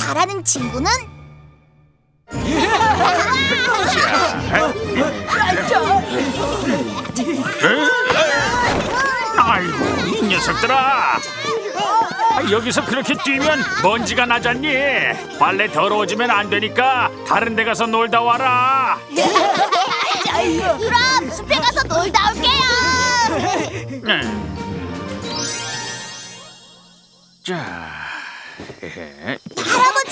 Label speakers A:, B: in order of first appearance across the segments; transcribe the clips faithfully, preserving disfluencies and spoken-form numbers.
A: 잘하는 친구는?
B: 아이고, 이 녀석들아! 여기서 그렇게 뛰면 먼지가 나잖니. 빨래 더러워지면 안 되니까 다른 데 가서 놀다 와라.
A: 그럼 숲에 가서 놀다 올게요.
B: 자,
A: 할아버지!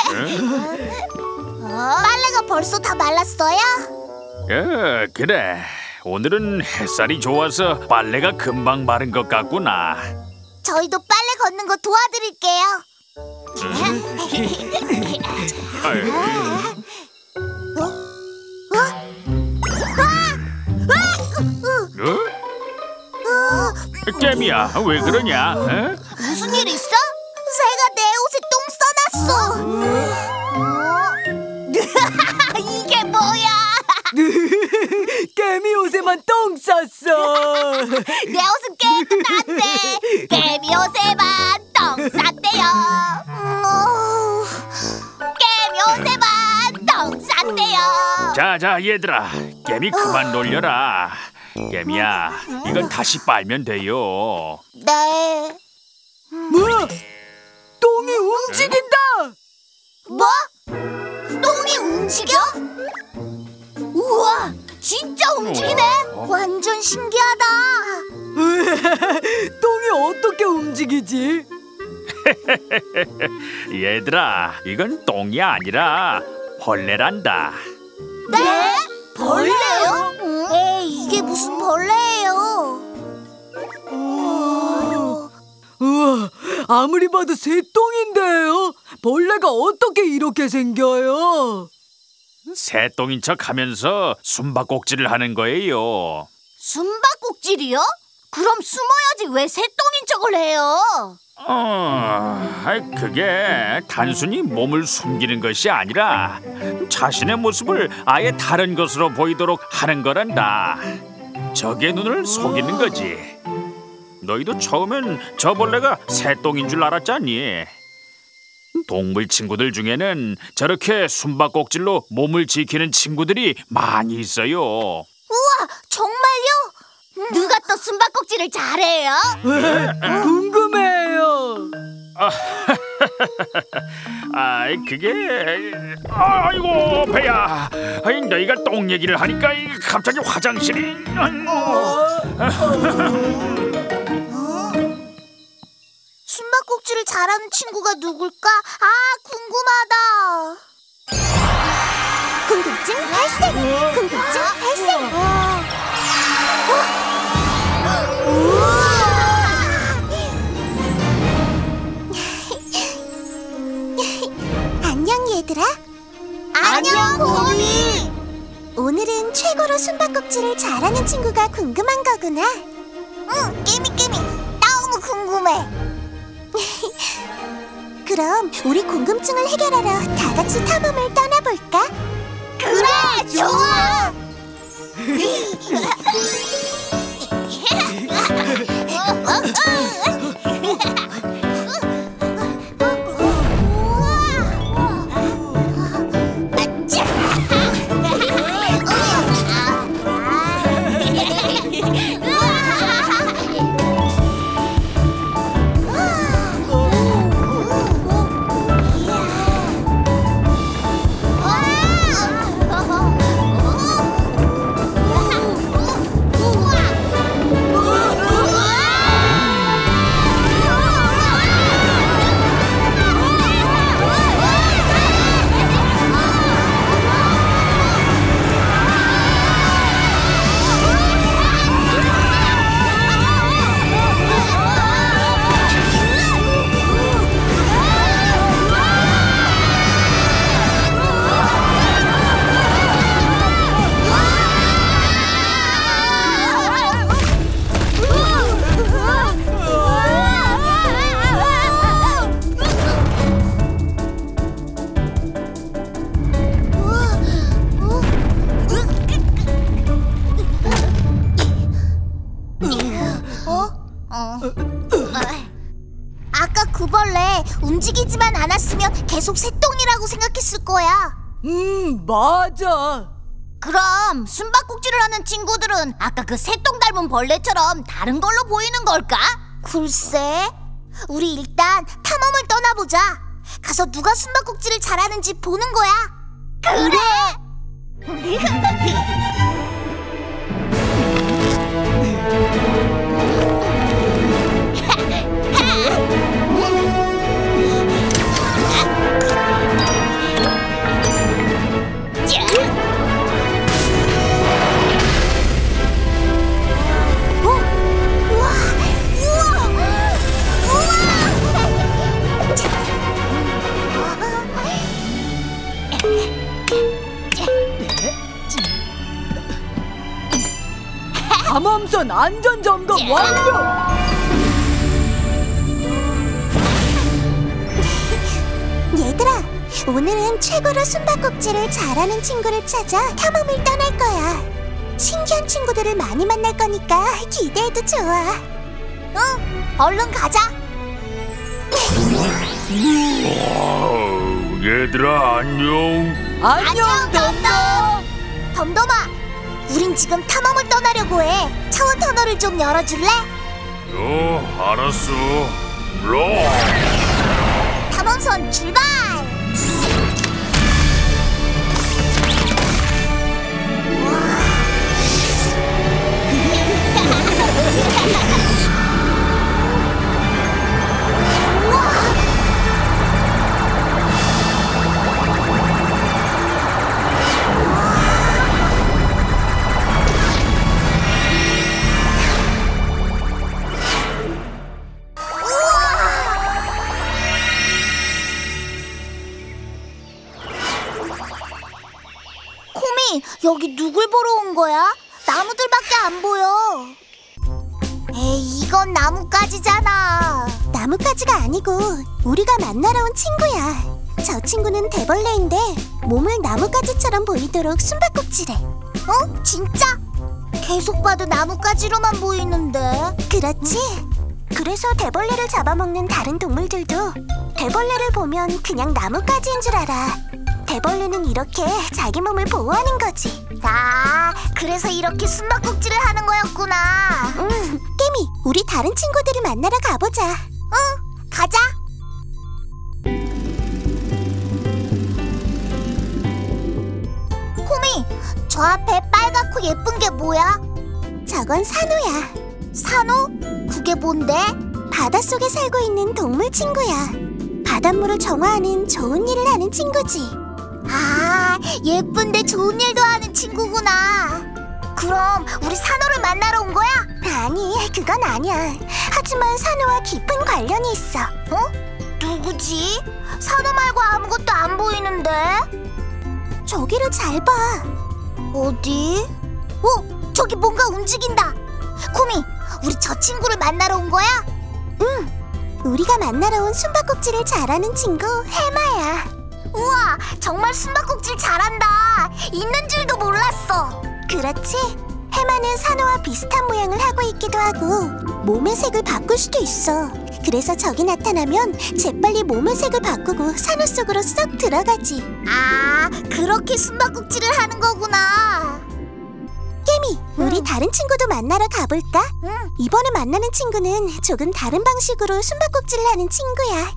A: 빨래가 벌써 다 말랐어요?
B: 어, 그래. 오늘은 햇살이 좋아서 빨래가 금방 마른 것 같구나.
A: 저희도 빨래 걷는 거 도와드릴게요. 어? 어? 아!
B: 어? 깨미야, 왜 그러냐? 어?
A: 무슨 일 있어? 새가 내 옷에 똥 싸놨어. 이게 뭐야?
C: 깨미 옷에만 똥 쌌어.
A: 내 옷은 깨끗한데 깨미 옷에만 똥 쌌대요. 깨미 옷에만 똥 쌌대요.
B: 자자 얘들아, 깨미 그만 놀려라. 깨미야, 이건 다시 빨면 돼요.
A: 네.
C: 뭐? 똥이 움직인다.
A: 뭐? 똥이 움직여? 우와, 진짜 움직이네. 완전 신기하다.
C: 똥이 어떻게 움직이지?
B: 얘들아, 이건 똥이 아니라 벌레란다.
A: 네? 벌레요? 에이, 이게 무슨 벌레예요?
C: 우와, 아무리 봐도 새똥인데요. 벌레가 어떻게 이렇게 생겨요?
B: 새똥인 척하면서 숨바꼭질을 하는 거예요.
A: 숨바꼭질이요? 그럼 숨어야지 왜 새똥인 척을 해요?
B: 어, 아이, 그게 단순히 몸을 숨기는 것이 아니라 자신의 모습을 아예 다른 것으로 보이도록 하는 거란다. 적의 눈을 속이는 거지. 너희도 처음엔 저 벌레가 새똥인 줄 알았잖니. 동물 친구들 중에는 저렇게 숨바꼭질로 몸을 지키는 친구들이 많이 있어요.
A: 우와, 정말요? 누가 또 숨바꼭질을 잘해요?
C: 궁금해요.
B: 아, 그게 아이고 배야. 아이, 너희가 똥 얘기를 하니까 갑자기 화장실이.
A: 숨바꼭질을 잘하는 친구가 누굴까? 아, 궁금하다. 궁금증 발생! 궁금증 발생! 안녕 얘들아. 안녕 곰이. 오늘은 최고로 숨바꼭질을 잘하는 친구가 궁금한 거구나. 응, 깨미 깨미. 너무 궁금해. 그럼 우리 궁금증을 해결하러 다 같이 탐험을 떠나볼까? 그래, 좋아! 나무벌레 움직이지만 않았으면 계속 새똥이라고 생각했을 거야.
C: 음, 맞아.
A: 그럼 숨바꼭질을 하는 친구들은 아까 그 새똥 닮은 벌레처럼 다른 걸로 보이는 걸까? 글쎄, 우리 일단 탐험을 떠나보자. 가서 누가 숨바꼭질을 잘하는지 보는 거야. 그래!
C: 감암선 안전점검 완료!
A: 얘들아, 오늘은 최고로 숨바꼭질을 잘하는 친구를 찾아 탐험을 떠날 거야. 신기한 친구들을 많이 만날 거니까 기대해도 좋아. 응, 얼른 가자.
B: 와우, 얘들아 안녕.
C: 안녕, 덤덤!
A: 덤덤아, 우린 지금 탐험을 떠나려고 해. 차원 터널을 좀 열어줄래?
B: 어, 알았어. 물론.
A: 탐험선 출발! 여기 누굴 보러 온 거야? 나무들밖에 안 보여. 에이, 이건 나뭇가지잖아. 나뭇가지가 아니고 우리가 만나러 온 친구야. 저 친구는 대벌레인데 몸을 나뭇가지처럼 보이도록 숨바꼭질해. 어? 진짜? 계속 봐도 나뭇가지로만 보이는데. 그렇지? 그래서 대벌레를 잡아먹는 다른 동물들도 대벌레를 보면 그냥 나뭇가지인 줄 알아. 대벌레는 이렇게 자기 몸을 보호하는 거지. 아, 그래서 이렇게 숨바꼭질을 하는 거였구나. 응. 깨미, 우리 다른 친구들을 만나러 가보자. 응, 가자. 코미, 저 앞에 빨갛고 예쁜 게 뭐야? 저건 산호야. 산호? 그게 뭔데? 바닷속에 살고 있는 동물 친구야. 바닷물을 정화하는 좋은 일을 하는 친구지. 아, 예쁜데 좋은 일도 하는 친구구나. 그럼 우리 산호를 만나러 온 거야? 아니, 그건 아니야. 하지만 산호와 깊은 관련이 있어. 어? 누구지? 산호 말고 아무것도 안 보이는데? 저기를 잘 봐. 어디? 어? 저기 뭔가 움직인다. 코미, 우리 저 친구를 만나러 온 거야? 응, 우리가 만나러 온 숨바꼭질을 잘하는 친구 해마야. 우와, 정말 숨바꼭질 잘한다. 있는 줄도 몰랐어. 그렇지? 해마는 산호와 비슷한 모양을 하고 있기도 하고 몸의 색을 바꿀 수도 있어. 그래서 적이 나타나면 재빨리 몸의 색을 바꾸고 산호 속으로 쏙 들어가지. 아, 그렇게 숨바꼭질을 하는 거구나. 깨미, 응. 우리 다른 친구도 만나러 가볼까? 응. 이번에 만나는 친구는 조금 다른 방식으로 숨바꼭질을 하는 친구야.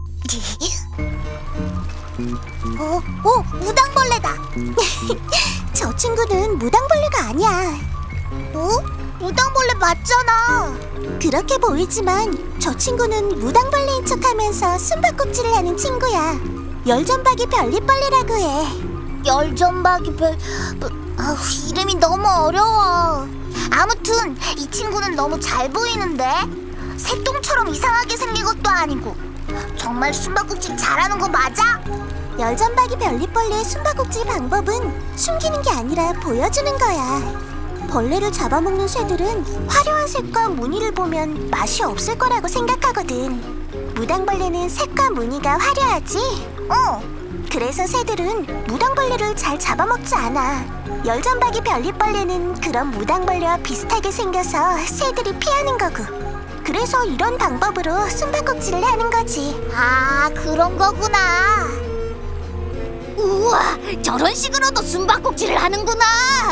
A: 어, 어, 무당벌레다. 저 친구는 무당벌레가 아니야. 어? 무당벌레 맞잖아. 그렇게 보이지만 저 친구는 무당벌레인 척하면서 숨바꼭질을 하는 친구야. 열전박이 별립벌레라고 해. 열전박이 별... 아우, 이름이 너무 어려워. 아무튼 이 친구는 너무 잘 보이는데? 새똥처럼 이상하게 생긴 것도 아니고. 정말 숨바꼭질 잘하는 거 맞아? 열전박이 별립벌레의 숨바꼭질 방법은 숨기는 게 아니라 보여주는 거야. 벌레를 잡아먹는 새들은 화려한 색과 무늬를 보면 맛이 없을 거라고 생각하거든. 무당벌레는 색과 무늬가 화려하지? 어. 그래서 새들은 무당벌레를 잘 잡아먹지 않아. 열전박이 별립벌레는 그런 무당벌레와 비슷하게 생겨서 새들이 피하는 거고. 그래서 이런 방법으로 숨바꼭질을 하는 거지. 아, 그런 거구나. 우와, 저런 식으로도 숨바꼭질을 하는구나.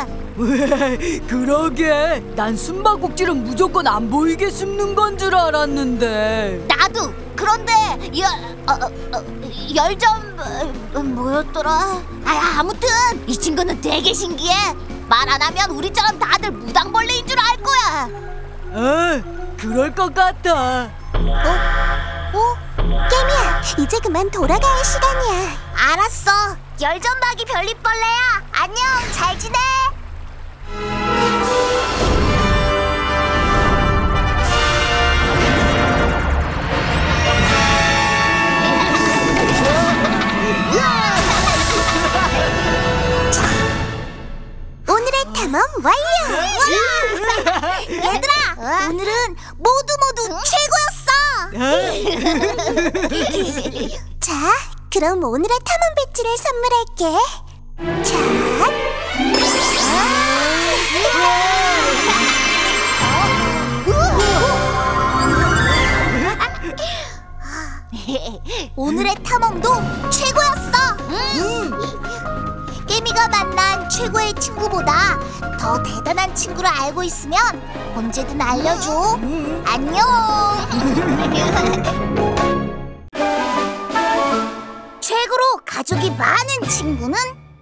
C: 그러게. 난 숨바꼭질은 무조건 안 보이게 숨는 건 줄 알았는데.
A: 나도. 그런데 열, 어, 어, 열점 어, 뭐였더라? 아, 아무튼 이 친구는 되게 신기해. 말 안 하면 우리처럼 다들 무당벌레인 줄 알 거야.
C: 어, 그럴 것 같아.
A: 어? 어? 깨미야, 이제 그만 돌아가야 할 시간이야. 알았어. 열전박이 별빛벌레야. 안녕, 잘 지내? 자, 오늘의 탐험 완료! 얘들아, 오늘은 모두 모두 최고였어! 자, 그럼 오늘의 탐험 배지를 선물할게. 자, 오늘의 탐험도 최고였어! 음. 깨미가 만난 최고의 친구보다 더 대단한 친구를 알고 있으면 언제든 알려줘.
C: 음.
A: 안녕! 최고로 가족이 많은 친구는?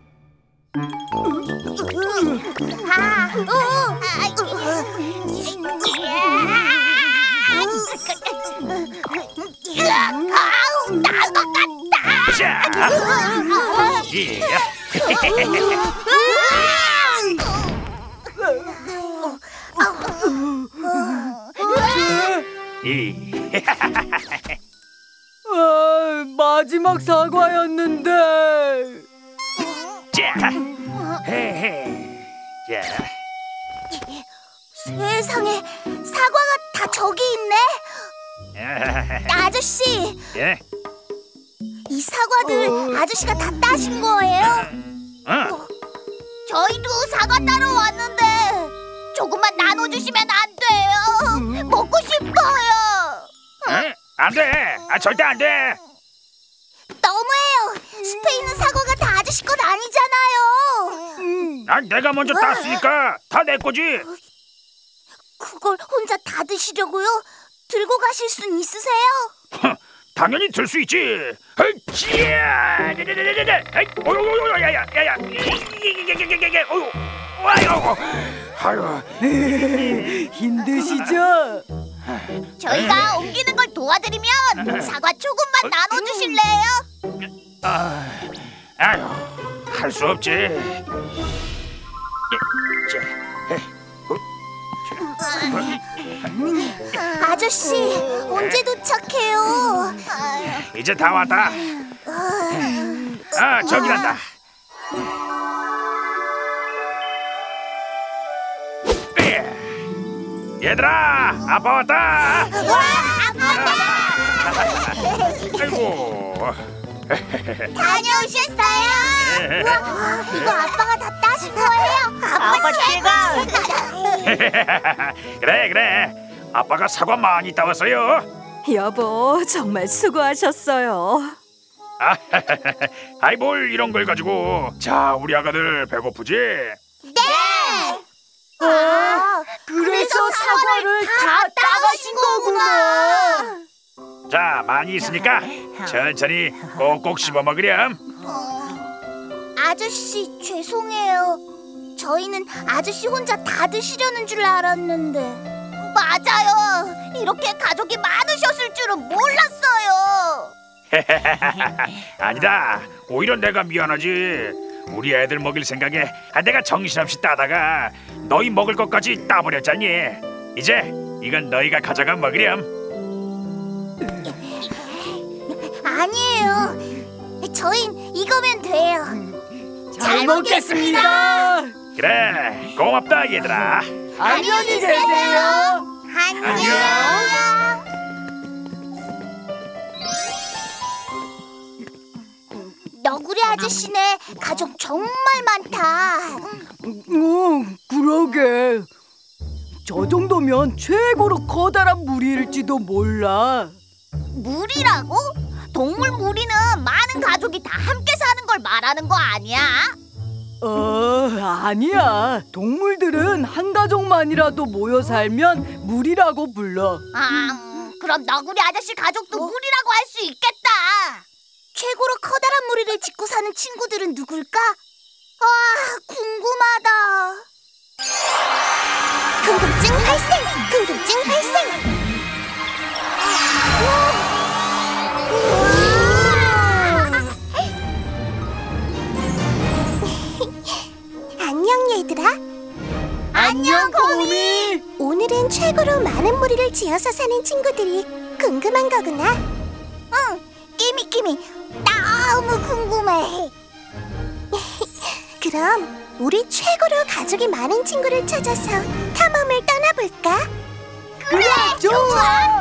A: 아, 어, 아우, 나은 것 같다.
B: 자, 예. 예.
C: 아, 마지막 사과였는데.
B: 자, 헤헤. 자,
A: 세상에, 사과가 다 저기 있네. 아저씨,
B: 예.
A: 이 사과들
C: 어.
A: 아저씨가 다 따신 거예요?
B: 어.
A: 저희도 사과 따러 왔는데 조금만 나눠주시면 안 돼요? 먹고 싶어요.
B: 응? 안 돼. 아, 절대 안 돼.
A: 너무해요. 숲에 있는 사과가 다 아저씨 건 아니잖아요.
C: 음.
B: 난 내가 먼저 땄으니까 다 내 거지.
A: 그걸 혼자 다 드시려고요? 들고 가실 순 있으세요?
B: 당연히 들 수 있지. 헐치야. 어요요요야야야야. 어요. 와요. 아유.
C: 힘드시죠?
A: 저희가 옮기는 걸 도와드리면 사과 조금만 나눠주실래요?
B: 아, 아유, 할 수 없지.
A: 아저씨, 언제 도착해요?
B: 이제 다 왔다. 아, 저기란다. 얘들아, 아빠 왔다.
A: 와, 아빠다!
B: 아이고.
A: 다녀오셨어요? 우와, 이거 아빠가 다 따신 거예요? 아빠 최고!
B: 그래 그래. 아빠가 사과 많이 따왔어요.
D: 여보, 정말 수고하셨어요.
B: 아이 뭘 이런 걸 가지고. 자, 우리 아가들 배고프지?
A: 네! 아, 그래서 사과를 다 따가신 거구나!
B: 자, 많이 있으니까 천천히 꼭꼭 씹어 먹으렴.
A: 아저씨, 죄송해요. 저희는 아저씨 혼자 다 드시려는 줄 알았는데. 맞아요. 이렇게 가족이 많으셨을 줄은 몰랐어요.
B: 아니다. 오히려 내가 미안하지. 우리 애들 먹일 생각에 아, 내가 정신없이 따다가 너희 먹을 것까지 따버렸잖니. 이제 이건 너희가 가져가 먹으렴.
A: 아니에요. 저흰 이거면 돼요.
C: 잘 먹겠습니다.
B: 그래, 고맙다 얘들아.
C: 안녕히 계세요.
A: 안녕. 너구리 아저씨네 가족 정말 많다.
C: 응, 그러게. 저 정도면 최고로 커다란 무리일지도 몰라.
A: 무리라고? 동물 무리는 많은 가족이 다 함께 사는 걸 말하는 거 아니야?
C: 어, 아니야. 동물들은 한 가족만이라도 모여 살면 무리라고 불러.
A: 아, 그럼 너구리 아저씨 가족도 무리라고 할 수 있겠다. 최고로 커다란 무리를 짓고 사는 친구들은 누굴까? 아, 궁금하다. 궁금증 발생! 궁금증 발생! 안녕 얘들아.
C: 안녕, 코미.
A: 오늘은 최고로 많은 무리를 지어서 사는 친구들이 궁금한 거구나. 응, 끼미끼미 너무 궁금해. 그럼 우리 최고로 가족이 많은 친구를 찾아서 탐험을 떠나볼까? 그래, 좋아.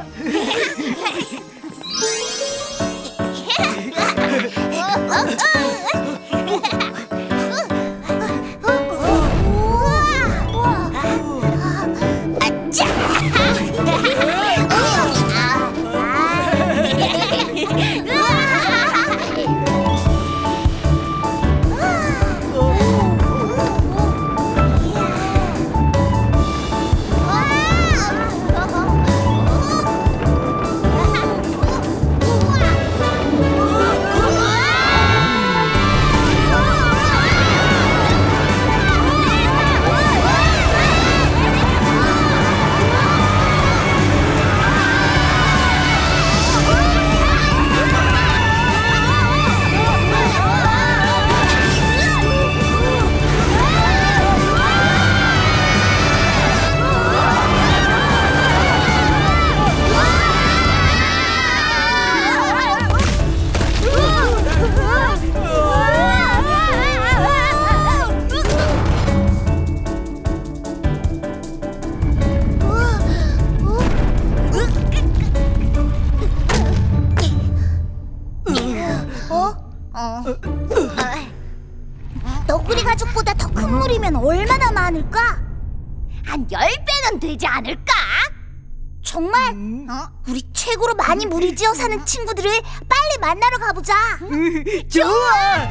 A: 너구리 가족보다 더 큰 무리면 얼마나 많을까? 한 열 배는 되지 않을까? 정말? 어? 우리 최고로 많이 무리지어 사는 친구들을 빨리 만나러 가보자.
C: 좋아.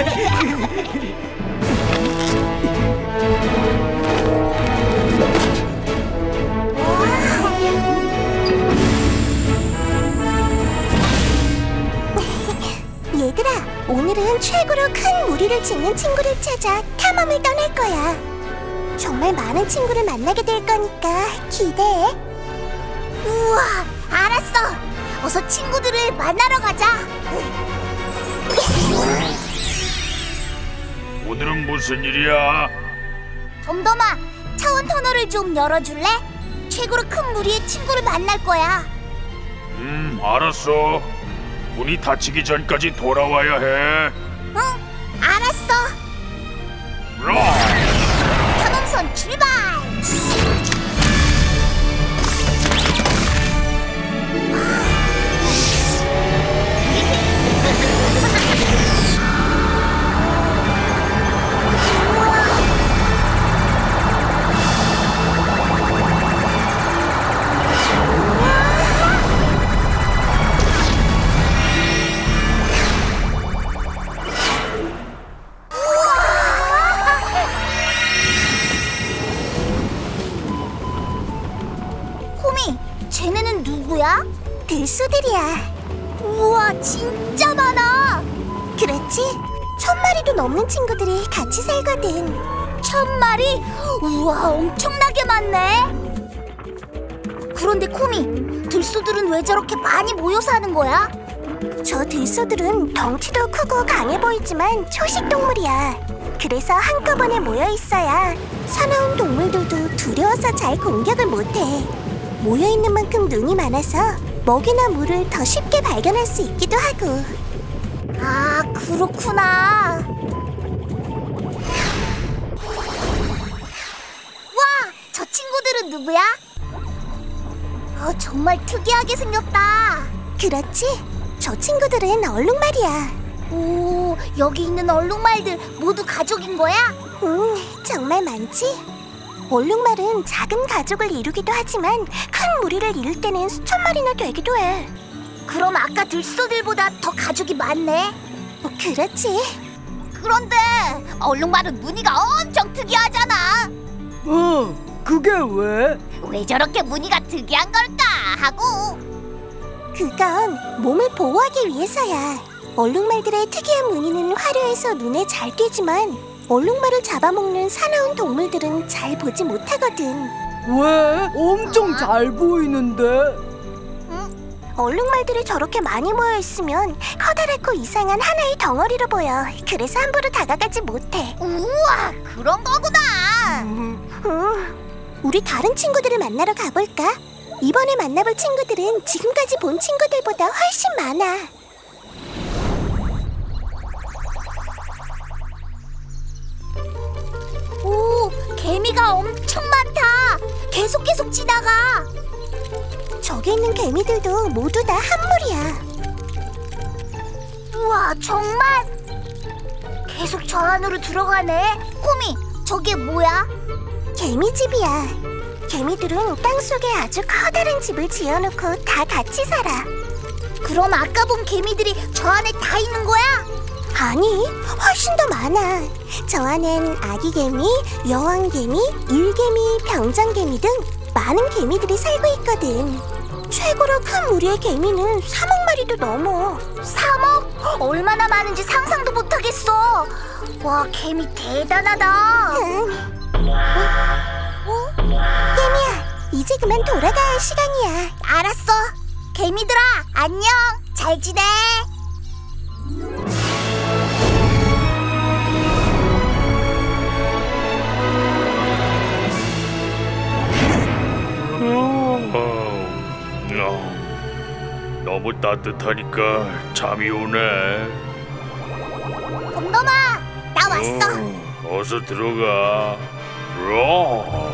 A: 얘들아, 오늘은 최고로 큰 무리를 짓는 친구를 찾아 탐험을 떠날 거야. 정말 많은 친구를 만나게 될 거니까 기대해. 우와, 알았어. 어서 친구들을 만나러 가자.
B: 오늘은 무슨 일이야?
A: 덤덤아, 차원 터널을 좀 열어줄래? 최고로 큰 무리의 친구를 만날 거야.
B: 음, 알았어. 문이 닫히기 전까지 돌아와야 해.
A: 응, 알았어.
B: 라!
A: 탐험선 출발! 쟤네는 누구야? 들소들이야. 우와, 진짜 많아. 그렇지? 천 마리도 넘는 친구들이 같이 살거든. 천 마리? 우와, 엄청나게 많네. 그런데 코미, 들소들은 왜 저렇게 많이 모여 사는 거야? 저 들소들은 덩치도 크고 강해 보이지만 초식 동물이야. 그래서 한꺼번에 모여 있어야 사나운 동물들도 두려워서 잘 공격을 못해. 모여있는 만큼 눈이 많아서 먹이나 물을 더 쉽게 발견할 수 있기도 하고. 아, 그렇구나. 와, 저 친구들은 누구야? 어, 정말 특이하게 생겼다. 그렇지? 저 친구들은 얼룩말이야. 오, 여기 있는 얼룩말들 모두 가족인 거야? 응, 정말 많지? 얼룩말은 작은 가족을 이루기도 하지만 큰 무리를 이룰 때는 수천 마리나 되기도 해. 그럼 아까 들소들보다 더 가족이 많네? 어, 그렇지. 그런데 얼룩말은 무늬가 엄청 특이하잖아.
C: 어, 그게 왜?
A: 왜 저렇게 무늬가 특이한 걸까 하고. 그건 몸을 보호하기 위해서야. 얼룩말들의 특이한 무늬는 화려해서 눈에 잘 띄지만 얼룩말을 잡아먹는 사나운 동물들은 잘 보지 못하거든.
C: 왜? 엄청 잘 보이는데.
A: 응? 얼룩말들이 저렇게 많이 모여있으면 커다랗고 이상한 하나의 덩어리로 보여. 그래서 함부로 다가가지 못해. 우와, 그런 거구나. 응. 우리 다른 친구들을 만나러 가볼까? 이번에 만나볼 친구들은 지금까지 본 친구들보다 훨씬 많아. 오, 개미가 엄청 많다. 계속 계속 지나가. 저기 있는 개미들도 모두 다 한 무리야. 우와, 정말? 계속 저 안으로 들어가네. 꼬미, 저게 뭐야? 개미집이야. 개미들은 땅속에 아주 커다란 집을 지어놓고 다 같이 살아. 그럼 아까 본 개미들이 저 안에 다 있는 거야? 아니, 훨씬 더 많아. 저 안엔 아기 개미, 여왕 개미, 일개미, 병장개미 등 많은 개미들이 살고 있거든. 최고로 큰 무리의 개미는 삼억 마리도 넘어. 삼억? 얼마나 많은지 상상도 못하겠어. 와, 개미 대단하다. 응. 어? 어? 개미야, 이제 그만 돌아가야 할 시간이야. 알았어. 개미들아, 안녕. 잘 지내.
B: 너무 따뜻하니까 잠이 오네.
A: 곰돌아, 나 왔어.
B: 어, 어서 들어가. 로.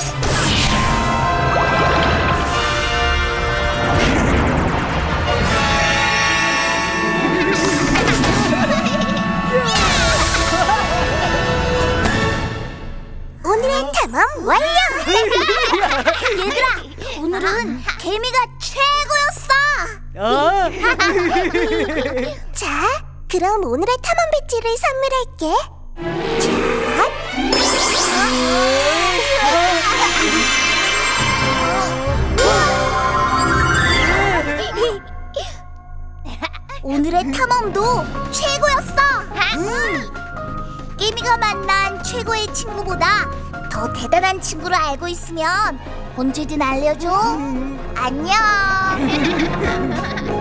A: 오늘의 탐험 완료! 얘들아, 오늘은 개미가 최고였어!
C: 아.
A: 자, 그럼 오늘의 탐험 배지를 선물할게. 자. 오늘의 탐험도 최고였어! 음. 깨미가 만난 최고의 친구보다 더 대단한 친구를 알고 있으면 언제든 알려줘. 안녕.